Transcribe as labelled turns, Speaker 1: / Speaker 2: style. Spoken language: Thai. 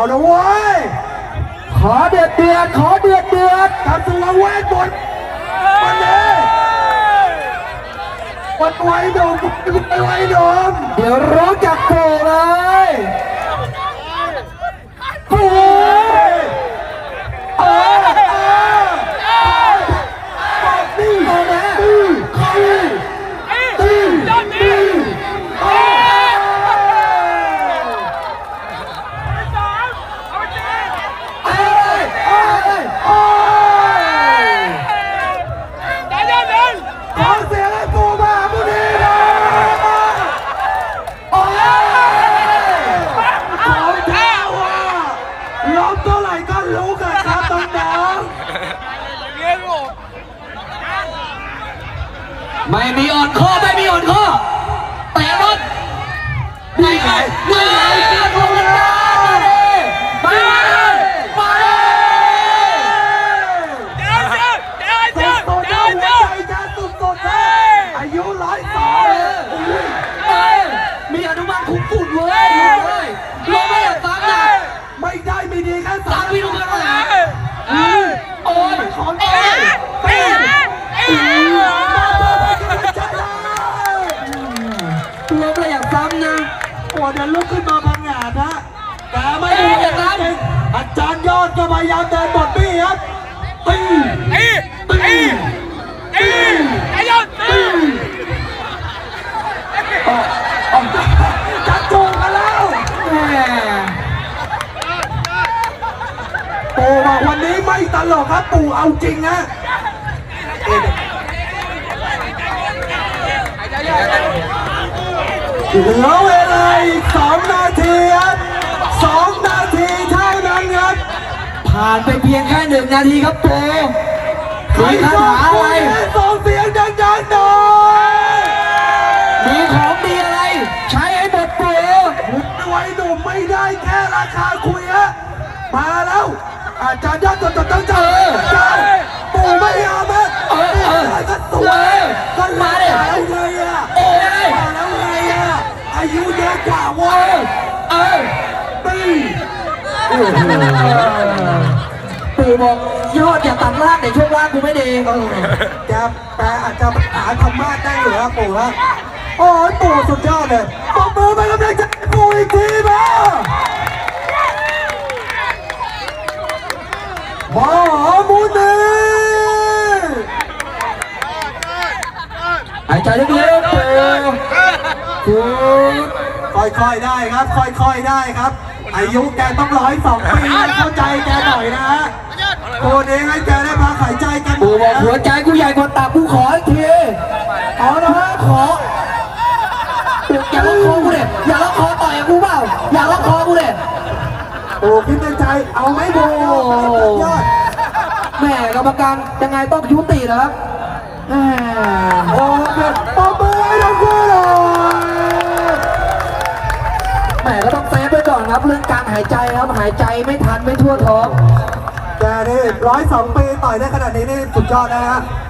Speaker 1: ละเว้ยขอเดือดกับตัวเวทบนวันนี้วันไว้ดมไว้ดมเดี๋ยวรู้จักโผล่เลยโผล่นี่เอาแม่ไม่มีอ่อนข้อเตะรถนี่ไงเกียร์ลงกันมาเลยสุดอายุ102มีอนุบาลคุ้มฝุ่นเว้ยลงไม่อยากฟังนะไม่ได้มีดีแค่3วินาทีโอ้ยของเองลบเลยอยากซ้ำนะโอ้เดี๋ยวลุกขึ้นมาพังงาดนะแต่ไม่ได้อย่างนั้นอาจารย์ยอดก็พยายามเดินบทบี้ครับตีจัดจูงกันแล้วปู่บอกวันนี้ไม่ตลกครับปู่เอาจริงนะเหลือเวลาอีก2 นาทีครับ2 นาทีเท่านั้นครับผ่านไปเพียงแค่1 นาทีครับปู่มีคาถาอะไรส่งเสียงดังๆหน่อยมีของดีอะไรใช้ให้หมดปู่ไว้หนุ่มไม่ได้แค่ราคาคุยฮะมาแล้วอาจารย์ยอดต้องเจอปู่ไม่ยอมฮะก็สวยก็มาเลยแล้วไงอ่ะมาแล้วไงอ่ะอายุเยอะกว่าเว้ยปีปู่บอกยอดอย่าตัดล่างในช่วงล่างกูไม่ดีแกแปลอาจจะหาธรรมะได้เหรอปู่ฮะโอ้ยปู่สุดยอดเลยปรบมือไปกำลังใจปู่อีกทีนะมหามุนีหายใจลึกๆค่อยๆได้ครับค่อยๆได้ครับอายุแกต้อง102 ปีเข้าใจแกหน่อยนะฮะตัวนี้ให้แกได้พักหายใจกันกูบอกหัวใจกูใหญ่กว่าตับกูขออีกทีเอานะฮะขออย่าล็อกคอกูเลยอย่าล็อกคอต่อยกูเปล่าอย่าล็อกคอกูเลยโอ้คิดในใจเอาไหมโบยอดแม่กรรมการยังไงต้องยุตินะครับโอ้เด็ดปอมเบอร์ทั้งคู่เลยแม่ก็ต้องเซฟไปก่อนครับเรื่องการหายใจครับหายใจไม่ทันไม่ทั่วท้องแกนี่102 ปีต่อยได้ขนาดนี้นี่สุดยอดนะฮะ